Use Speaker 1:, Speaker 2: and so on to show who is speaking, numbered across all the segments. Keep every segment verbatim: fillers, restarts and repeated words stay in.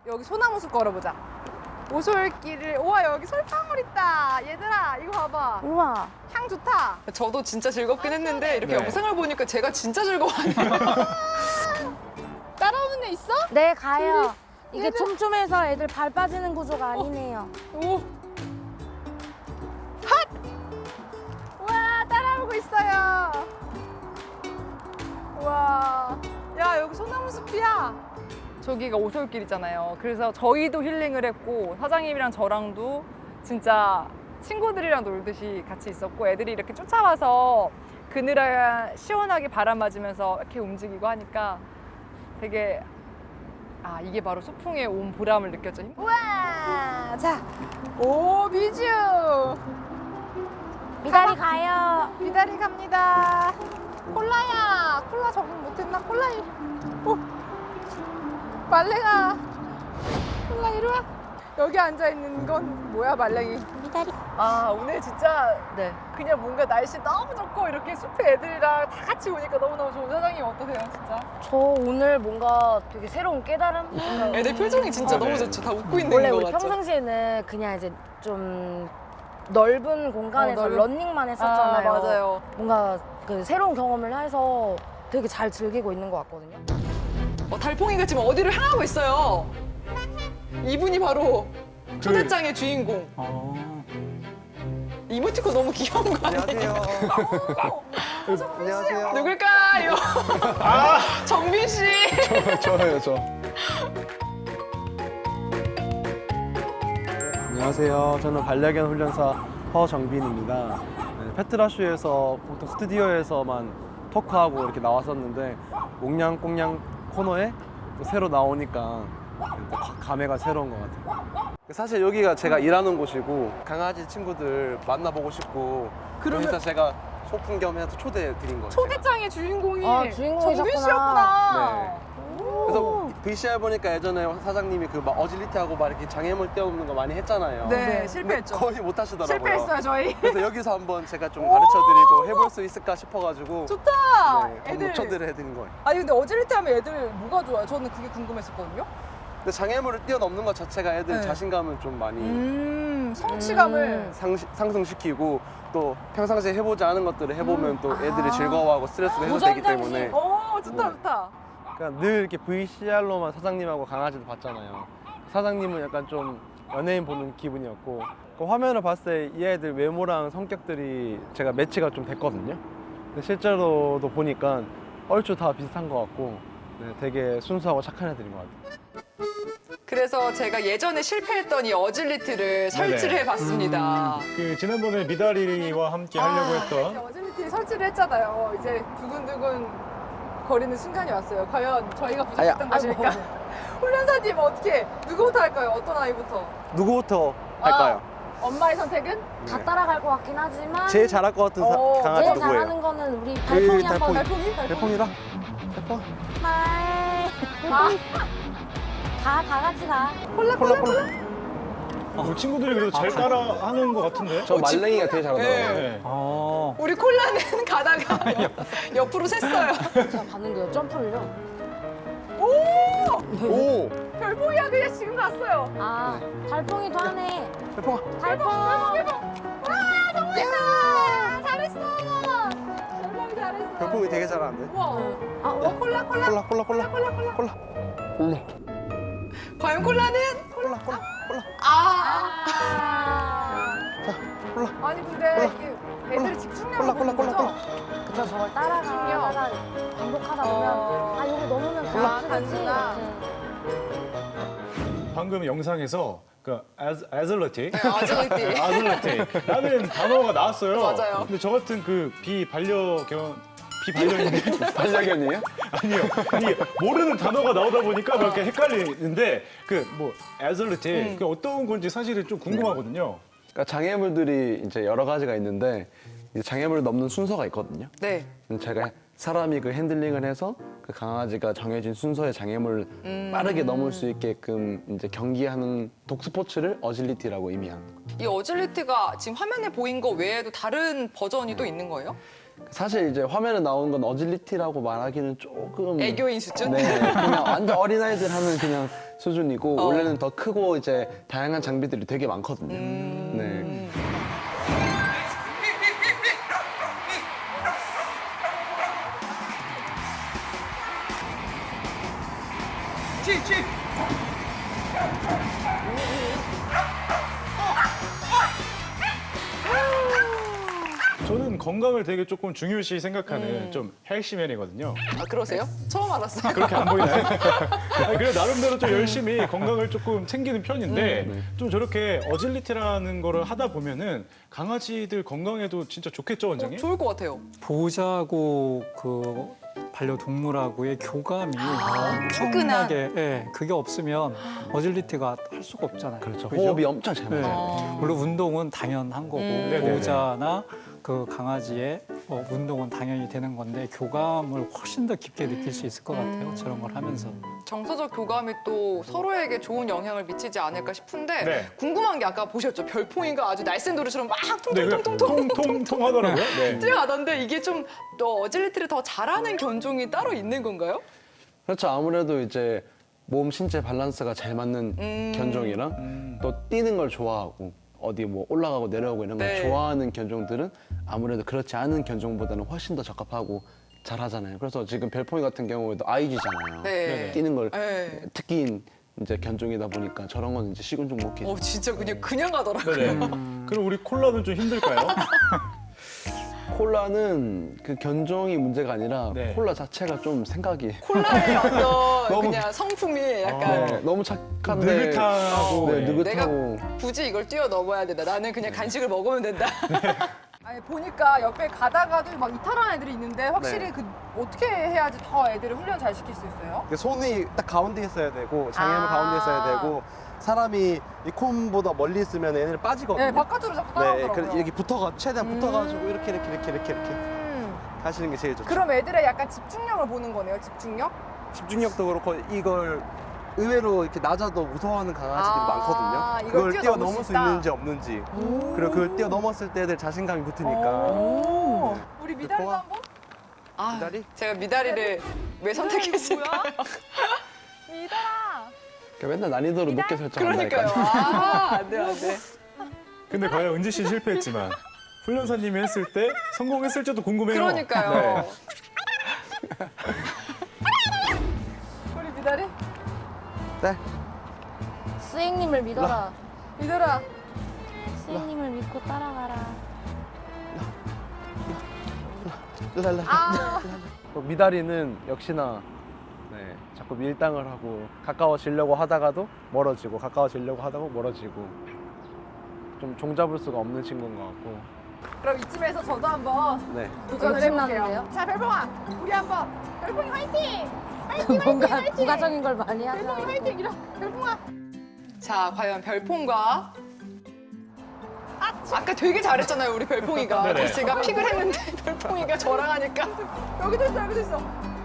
Speaker 1: 여기 소나무 숲 걸어보자. 오솔길을, 우와, 여기 솔방울 있다. 얘들아, 이거 봐봐.
Speaker 2: 우와.
Speaker 1: 향 좋다. 저도 진짜 즐겁긴 했는데 이렇게
Speaker 3: 네.
Speaker 1: 영상을 보니까 제가 진짜 즐거워하네요. 따라오는 애 있어?
Speaker 2: 네, 가요. 이게
Speaker 1: 얘들-
Speaker 2: 촘촘해서 애들 발 빠지는 구조가 아니네요.
Speaker 1: 오. 핫! 우와, 따라오고 있어요. 우와. 야, 여기 소나무 숲이야. 저기가 오솔길이잖아요. 그래서 저희도 힐링을 했고 사장님이랑 저랑도 진짜 친구들이랑 놀듯이 같이 있었고 애들이 이렇게 쫓아와서 그늘에 시원하게 바람 맞으면서 이렇게 움직이고 하니까 되게 아 이게 바로 소풍에 온 보람을 느꼈죠. 우와! 자, 오 미주!
Speaker 2: 미달이 가요.
Speaker 1: 미달이 갑니다. 콜라야! 콜라 적응 못했나? 콜라 이 오! 말랭아! 콜라 이리 와! 여기 앉아있는 건 뭐야 말랭이?
Speaker 2: 미달이.
Speaker 1: 아 오늘 진짜 네 그냥 뭔가 날씨 너무 좋고 이렇게 숲에 애들이랑 다 같이 오니까 너무너무 좋은. 사장님 어떠세요 진짜?
Speaker 2: 저 오늘 뭔가 되게 새로운 깨달음? 뭔가
Speaker 1: 애들 표정이 진짜
Speaker 3: 아,
Speaker 1: 너무
Speaker 3: 네.
Speaker 1: 좋죠. 다 웃고 있는
Speaker 2: 원래
Speaker 1: 거
Speaker 2: 우리
Speaker 1: 같죠?
Speaker 2: 평상시에는 그냥 이제 좀 넓은 공간에서
Speaker 1: 어, 넓은-
Speaker 2: 런닝만 했었잖아요.
Speaker 1: 아, 맞아요.
Speaker 2: 뭔가 그 새로운 경험을 해서 되게 잘 즐기고 있는 것 같거든요.
Speaker 1: 어, 달팽이가 지금 어디를 향하고 있어요. 이분이 바로 초대장의 주인공.
Speaker 3: 아.
Speaker 1: 이모티콘 너무 귀여운 거 아니에요?
Speaker 4: 안녕하세요. 안녕하세요.
Speaker 1: 누굴까요? 정민 씨.
Speaker 3: 저예요, 저.
Speaker 4: 안녕하세요. 저는 반려견 훈련사 허정빈입니다. 네, 페트라쇼에서 보통 스튜디오에서만 토크하고 이렇게 나왔었는데 옥냥꽁냥 코너에 또 새로 나오니까 또 가- 감회가 새로운 것 같아요. 사실 여기가 제가 일하는 곳이고 강아지 친구들 만나보고 싶고
Speaker 1: 그러면-
Speaker 4: 그래서 제가 소풍 겸해서 초대해 드린 거예요. 제가.
Speaker 1: 초대장의 주인공이
Speaker 2: 아, 주인공이셨구나.
Speaker 1: 정민 씨였구나.
Speaker 4: 네. 그래서 브이씨알 보니까 예전에 사장님이 그 막 어질리티하고 막 이렇게 장애물 떼어놓는 거 많이 했잖아요.
Speaker 1: 네,
Speaker 4: 근데
Speaker 1: 실패했죠.
Speaker 4: 거의 못 하시더라고요.
Speaker 1: 실패했어요 저희.
Speaker 4: 그래서 여기서 한번 제가 좀 가르쳐드리고 해볼 수 있을까 싶어가지고
Speaker 1: 좋다.
Speaker 4: 네, 한번
Speaker 1: 애들.
Speaker 4: 초대를 해드린 거예요.
Speaker 1: 아니 근데 어질리티 하면 애들 뭐가 좋아요? 저는 그게 궁금했었거든요.
Speaker 4: 근데 장애물을 뛰어넘는 것 자체가 애들
Speaker 1: 네.
Speaker 4: 자신감을 좀 많이
Speaker 1: 음, 성취감을.
Speaker 2: 음.
Speaker 4: 상, 상승시키고 또 평상시에 해보지 않은 것들을 해보면 또 애들이
Speaker 1: 아.
Speaker 4: 즐거워하고 스트레스도 해소되기
Speaker 2: 도전장치.
Speaker 4: 때문에
Speaker 1: 어, 좋다
Speaker 4: 네.
Speaker 1: 좋다.
Speaker 4: 그러니까 늘 이렇게 브이씨알로만 사장님하고 강아지도 봤잖아요. 사장님은 약간 좀 연예인 보는 기분이었고 그 화면을 봤을 때 이 애들 외모랑 성격들이 제가 매치가 좀 됐거든요. 근데 실제로도 보니까 얼추 다 비슷한 것 같고 네, 되게 순수하고 착한 애들인 것 같아요.
Speaker 1: 그래서 제가 예전에 실패했던 이 어질리티를 설치를 해봤습니다.
Speaker 3: 그 지난번에 미다리와 함께 하려고
Speaker 1: 아, 이렇게
Speaker 3: 했던
Speaker 1: 어질리티 설치를 했잖아요. 이제 두근두근 거리는 순간이 왔어요. 과연 저희가 부족했던 것일까? 훈련사님 어떻게 누구부터 할까요? 어떤 아이부터?
Speaker 4: 누구부터 할까요?
Speaker 1: 아, 엄마의 선택은?
Speaker 2: 다 따라갈 것 같긴 하지만
Speaker 4: 제일 잘할 것 같은 사-
Speaker 1: 어,
Speaker 4: 강아지
Speaker 2: 제일
Speaker 4: 누구예요?
Speaker 2: 잘하는 거는 우리 달팽이 한번.
Speaker 4: 달팽이.
Speaker 1: 달팽이?
Speaker 4: 대펑이라? 대펑?
Speaker 2: 하이.
Speaker 1: 아,
Speaker 2: 가, 다 같이 가.
Speaker 1: 콜라
Speaker 4: 콜라
Speaker 1: 콜라
Speaker 4: 콜라.
Speaker 3: 어, 친구들이 그래도 잘 따라하는 것 같은데?
Speaker 4: 저 말랭이가 되게 잘하더라고요.
Speaker 3: 네. 아.
Speaker 1: 우리 콜라는 가다가 옆, 옆으로 샜어요.
Speaker 2: 제가 봤는데요, 점프를요.
Speaker 1: 오!
Speaker 4: 오!
Speaker 1: 별보이야 그냥 지금 갔어요.
Speaker 2: 아, 달팽이도 하네.
Speaker 4: 대펑아.
Speaker 2: 달팽이.
Speaker 1: 와 정말 잘했어. 별보이 잘했어.
Speaker 4: 별풍이 되게 잘하는데.
Speaker 1: 우와.
Speaker 2: 아,
Speaker 1: 어, 콜라 콜라.
Speaker 4: 콜라 콜라 콜라
Speaker 1: 콜라 콜라.
Speaker 4: 콜라.
Speaker 1: 과연 콜라는?
Speaker 4: 콜라 콜라 콜라.
Speaker 1: 아.
Speaker 2: 아.
Speaker 4: 자 콜라.
Speaker 1: 아니 근데 이게 애들이 집중력을
Speaker 4: 콜라, 콜라,
Speaker 1: 보는
Speaker 4: 콜라,
Speaker 1: 거죠?
Speaker 2: 그쵸, 저걸 따라가다가 반복하다 보면
Speaker 1: 어.
Speaker 2: 아, 여기 넘으면
Speaker 1: 아,
Speaker 2: 가야지.
Speaker 1: 가는구나.
Speaker 3: 방금 영상에서 그 아즈, 아즐러티?
Speaker 1: 아질리티.
Speaker 3: 아즐러티 라는 단어가 나왔어요.
Speaker 1: 맞아요.
Speaker 3: 근데 저 같은 그 비반려견 비반려인데
Speaker 4: 반려견이에요?
Speaker 3: 아니요. 이 모르는 단어가 나오다 보니까 그렇게 헷갈리는데 그 뭐 아즐러티
Speaker 1: 음.
Speaker 3: 그게 어떤 건지 사실은 좀 궁금하거든요.
Speaker 4: 그러니까 장애물들이 이제 여러 가지가 있는데 이제 장애물을 넘는 순서가 있거든요.
Speaker 1: 네.
Speaker 4: 근데 제가 사람이 그 핸들링을 해서 그 강아지가 정해진 순서의 장애물을
Speaker 1: 음.
Speaker 4: 빠르게 넘을 수 있게끔 이제 경기하는 독스포츠를 어질리티라고 의미하는 거예요.
Speaker 1: 이 어질리티가 지금 화면에 보인 거 외에도 다른 버전이 또 있는 거예요?
Speaker 4: 사실 이제 화면에 나오는 건 어질리티라고 말하기는 조금
Speaker 1: 애교인 수준?
Speaker 4: 네, 그냥 완전 어린아이들 하는 그냥 수준이고
Speaker 1: 어.
Speaker 4: 원래는 더 크고 이제 다양한 장비들이 되게 많거든요.
Speaker 1: 음.
Speaker 4: 네.
Speaker 3: 저는 건강을 되게 조금 중요시 생각하는
Speaker 1: 음.
Speaker 3: 좀 헬시맨이거든요.
Speaker 1: 아 그러세요? 처음 알았어요.
Speaker 3: 그렇게 안 보이나요? 아니, 그래 나름대로 좀 열심히 건강을 조금 챙기는 편인데
Speaker 1: 음.
Speaker 3: 좀 저렇게 어질리티라는 거를 하다 보면은 강아지들 건강에도 진짜 좋겠죠,
Speaker 1: 어,
Speaker 3: 원장님?
Speaker 1: 좋을 것 같아요.
Speaker 5: 보호자하고 그 반려동물하고의 교감이
Speaker 1: 끈끈한.
Speaker 5: 엄청나게, 예, 그게 없으면 어질리티가 할 수가 없잖아요.
Speaker 4: 그렇죠.
Speaker 5: 그죠?
Speaker 4: 호흡이 엄청 잘
Speaker 5: 네.
Speaker 4: 맞아요.
Speaker 1: 어.
Speaker 5: 물론 운동은 당연한 거고
Speaker 1: 음.
Speaker 3: 네네네.
Speaker 5: 보호자나 그 강아지의 어, 운동은 당연히 되는 건데 교감을 훨씬 더 깊게 느낄 수 있을 것 같아요.
Speaker 1: 음.
Speaker 5: 저런 걸 하면서.
Speaker 1: 정서적 교감이 또 서로에게 좋은 영향을 미치지 않을까 싶은데
Speaker 3: 네.
Speaker 1: 궁금한 게 아까 보셨죠? 별풍이가 아주 날쌘 노루처럼 막
Speaker 3: 네, 그냥
Speaker 1: 통통통통통
Speaker 3: 통통통 하더라고요. 네.
Speaker 1: 뛰어가던데 이게 좀 또 어질리티를 더 잘하는 견종이 따로 있는 건가요?
Speaker 4: 그렇죠. 아무래도 이제 몸 신체 밸런스가 잘 맞는
Speaker 1: 음.
Speaker 4: 견종이랑
Speaker 3: 음.
Speaker 4: 또 뛰는 걸 좋아하고 어디 뭐 올라가고 내려오고 이런 걸
Speaker 1: 네.
Speaker 4: 좋아하는 견종들은 아무래도 그렇지 않은 견종보다는 훨씬 더 적합하고 잘하잖아요. 그래서 지금 별풍이 같은 경우에도 아이지잖아요.
Speaker 1: 네.
Speaker 4: 뛰는 걸
Speaker 1: 네.
Speaker 4: 특기인 이제 견종이다 보니까 저런 건 이제 시군종 못 끼죠.
Speaker 1: 어 진짜 그냥 그냥 가더라고요.
Speaker 3: 네네. 그럼 우리 콜라는 좀 힘들까요?
Speaker 4: 콜라는 그 견종이 문제가 아니라
Speaker 3: 네.
Speaker 4: 콜라 자체가 좀 생각이
Speaker 1: 콜라의 어떤
Speaker 4: 너무-
Speaker 1: 그냥 성품이 약간
Speaker 4: 네, 너무 착한데
Speaker 3: 느긋하고
Speaker 4: 네,
Speaker 3: 네.
Speaker 4: 느긋하고
Speaker 1: 굳이 이걸 뛰어넘어야 된다. 나는 그냥 간식을 먹으면 된다. 아니 보니까 옆에 가다가도 막 이탈한 애들이 있는데 확실히
Speaker 6: 네.
Speaker 1: 그 어떻게 해야지 더 애들을 훈련 잘 시킬 수 있어요?
Speaker 6: 이게 손이 딱 가운데 있어야 되고 장애물
Speaker 1: 아.
Speaker 6: 가운데 있어야 되고 사람이 이 콤보다 멀리 있으면 얘네를 빠지거든요.
Speaker 1: 네, 바깥으로 자꾸
Speaker 6: 네,
Speaker 1: 따라오더라고요.
Speaker 6: 그래서 이렇게 붙어가 최대한
Speaker 1: 음.
Speaker 6: 붙어가지고 이렇게 이렇게 이렇게 이렇게 이렇게
Speaker 1: 음.
Speaker 6: 하시는 게 제일 좋죠.
Speaker 1: 그럼 애들의 약간 집중력을 보는 거네요. 집중력?
Speaker 6: 집중력도 그렇고 이걸 의외로 이렇게 낮아도 무서워하는 강아지들이
Speaker 1: 아,
Speaker 6: 많거든요.
Speaker 1: 이걸
Speaker 6: 그걸
Speaker 1: 뛰어넘을
Speaker 6: 뛰어넘을
Speaker 1: 수
Speaker 6: 수
Speaker 1: 있다?
Speaker 6: 있는지 없는지. 그리고 그걸 뛰어넘었을 때 애들 자신감이 붙으니까.
Speaker 1: 오.
Speaker 6: 네.
Speaker 1: 우리 미다리도
Speaker 6: 고마-
Speaker 1: 한번? 아,
Speaker 6: 미다리?
Speaker 1: 제가 미다리를 왜 선택했을까요? 미달아.
Speaker 4: 그러니까 맨날 난이도를 높게 설정한다니까.
Speaker 1: 그러니까요. 아, 안 돼, 안 돼.
Speaker 3: 근데 과연 은지 씨 실패했지만 훈련사님이 했을 때 성공했을지도 궁금해요.
Speaker 1: 그러니까요.
Speaker 3: 네.
Speaker 1: 우리 미다리?
Speaker 6: 네.
Speaker 2: 스행님을 믿어라.
Speaker 1: 미달아.
Speaker 2: 스행님을 믿고 따라가라.
Speaker 6: 랄라.
Speaker 1: 아.
Speaker 4: 또 미다리는 역시나 네, 자꾸 밀당을 하고 가까워지려고 하다가도 멀어지고 가까워지려고 하다가 멀어지고 좀 종잡을 수가 없는 친구인 것 같고
Speaker 1: 그럼 이쯤에서 저도 한번
Speaker 4: 네.
Speaker 1: 도전을 해볼게요.
Speaker 2: 욕심나는데요?
Speaker 1: 자, 별봉아. 우리 한번. 별봉이 화이팅! 화이팅,
Speaker 2: 뭔가
Speaker 1: 화이팅, 화이팅!
Speaker 2: 부가적인 걸 많이
Speaker 1: 별봉이
Speaker 2: 하죠.
Speaker 1: 화이팅! 이러. 별봉아. 자, 과연 별봉과 아, 아까 되게 잘했잖아요, 우리 별봉이가.
Speaker 3: 네네.
Speaker 1: 그래서 제가 픽을 했는데 별봉이가 저랑 하니까 여기도 있어, 여기도 있어.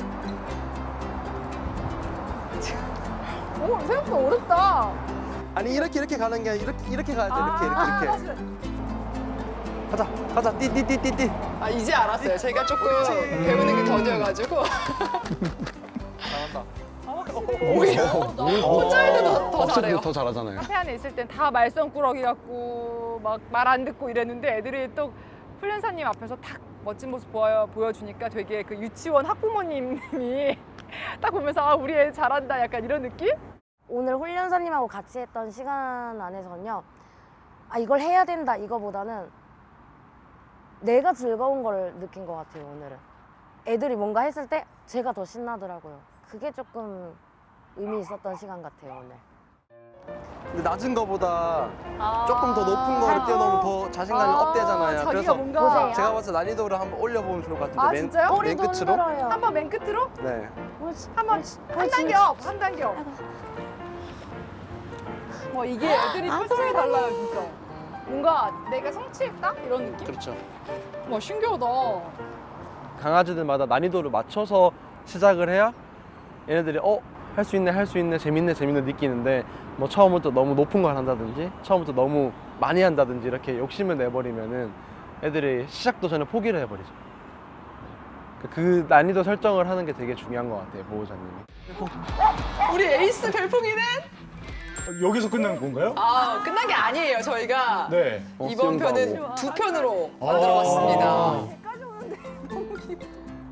Speaker 1: 오, 생각보다 어렵다.
Speaker 6: 아니 이렇게 이렇게 가는 게 아니라 이렇게 이렇게 가야 돼. 이렇게
Speaker 1: 아,
Speaker 6: 이렇게 이렇게. 가자 가자 띠띠띠띠띠.
Speaker 1: 아, 이제 알았어요. 제가 조금 배우는 게 더뎌가지고.
Speaker 6: 잘한다.
Speaker 1: 오히려 혼자 해도 더, 더
Speaker 4: 없을
Speaker 1: 잘해요.
Speaker 4: 때 더 잘하잖아요.
Speaker 1: 카페 안에 있을 땐 다 말썽꾸러기 같고 막 말 안 듣고 이랬는데 애들이 또 훈련사님 앞에서 딱 멋진 모습 보여, 보여주니까 되게 그 유치원 학부모님이 딱 보면서 아 우리 애 잘한다 약간 이런 느낌?
Speaker 2: 오늘 훈련사님하고 같이 했던 시간 안에서는요. 아 이걸 해야 된다 이거보다는 내가 즐거운 걸 느낀 것 같아요 오늘은. 애들이 뭔가 했을 때 제가 더 신나더라고요. 그게 조금 의미 있었던 시간 같아요 오늘.
Speaker 6: 근데 낮은 거보다
Speaker 1: 아.
Speaker 6: 조금 더 높은 거를 뛰어넘으면 더 자신감이
Speaker 1: 아,
Speaker 6: 업되잖아요.
Speaker 1: 자기가
Speaker 6: 그래서
Speaker 1: 뭔가
Speaker 2: 보세요.
Speaker 6: 제가 봤을 때 난이도를 한번 올려보면 좋을 것 같은데
Speaker 1: 아,
Speaker 6: 맨,
Speaker 1: 진짜요?
Speaker 6: 맨
Speaker 2: 꼬리도
Speaker 6: 끝으로.
Speaker 2: 흔들어요.
Speaker 1: 한번 맨 끝으로
Speaker 6: 네.
Speaker 2: 옳지.
Speaker 1: 한번 한 단계 업, 한 단계 업. 와 이게 애들이
Speaker 2: 아,
Speaker 1: 표정이 달라요 진짜. 뭔가 내가 성취했다 이런 느낌?
Speaker 6: 그렇죠.
Speaker 1: 와 신기하다.
Speaker 4: 강아지들마다 난이도를 맞춰서 시작을 해야 얘네들이 어? 할 수 있네 할 수 있네 재밌네 재밌네 느끼는데 뭐 처음부터 너무 높은 걸 한다든지 처음부터 너무 많이 한다든지 이렇게 욕심을 내버리면은 애들이 시작도 전에 포기를 해버리죠. 그 난이도 설정을 하는 게 되게 중요한 것 같아요, 보호자님이.
Speaker 7: 우리 에이스 별풍이는
Speaker 3: 여기서 끝난 건가요?
Speaker 7: 아 끝난 게 아니에요. 저희가
Speaker 3: 네.
Speaker 4: 어,
Speaker 7: 이번
Speaker 4: 수영도
Speaker 7: 편은
Speaker 4: 하고.
Speaker 7: 두 편으로
Speaker 3: 아.
Speaker 7: 만들어봤습니다.
Speaker 2: 여기까지 오는데 너무 기뻐.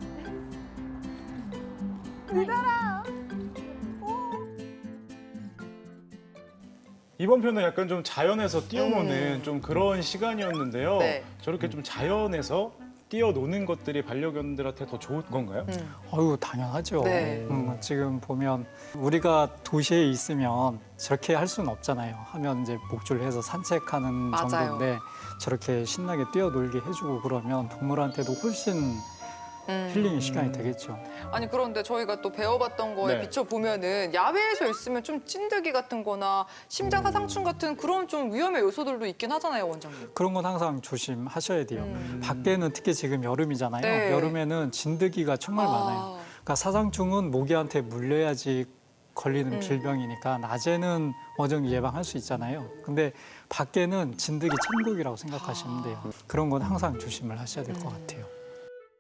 Speaker 3: 이번 편은 약간 좀 자연에서 뛰어노는 좀 그런 시간이었는데요.
Speaker 7: 네.
Speaker 3: 저렇게 좀 자연에서 뛰어노는 것들이 반려견들한테 더 좋은 건가요?
Speaker 7: 음.
Speaker 5: 어유 당연하죠.
Speaker 7: 네.
Speaker 5: 음, 지금 보면 우리가 도시에 있으면 저렇게 할 수는 없잖아요. 하면 이제 목줄을 해서 산책하는
Speaker 7: 맞아요.
Speaker 5: 정도인데 저렇게 신나게 뛰어놀게 해주고 그러면 동물한테도 훨씬
Speaker 7: 음.
Speaker 5: 힐링의 시간이 되겠죠.
Speaker 7: 아니 그런데 저희가 또 배워봤던 거에
Speaker 3: 네.
Speaker 7: 비춰보면은 야외에서 있으면 좀 찐득이 같은 거나 심장 사상충 같은 그런 좀 위험의 요소들도 있긴 하잖아요, 원장님.
Speaker 5: 그런 건 항상 조심하셔야 돼요.
Speaker 7: 음.
Speaker 5: 밖에는 특히 지금 여름이잖아요.
Speaker 7: 네.
Speaker 5: 여름에는 진드기가 정말
Speaker 7: 아.
Speaker 5: 많아요. 그러니까 사상충은 모기한테 물려야지 걸리는
Speaker 7: 음.
Speaker 5: 질병이니까 낮에는 어느 정도 예방할 수 있잖아요. 근데 밖에는 진드기 천국이라고 생각하시면 돼요. 그런 건 항상 조심을 하셔야 될 것
Speaker 7: 음.
Speaker 5: 같아요.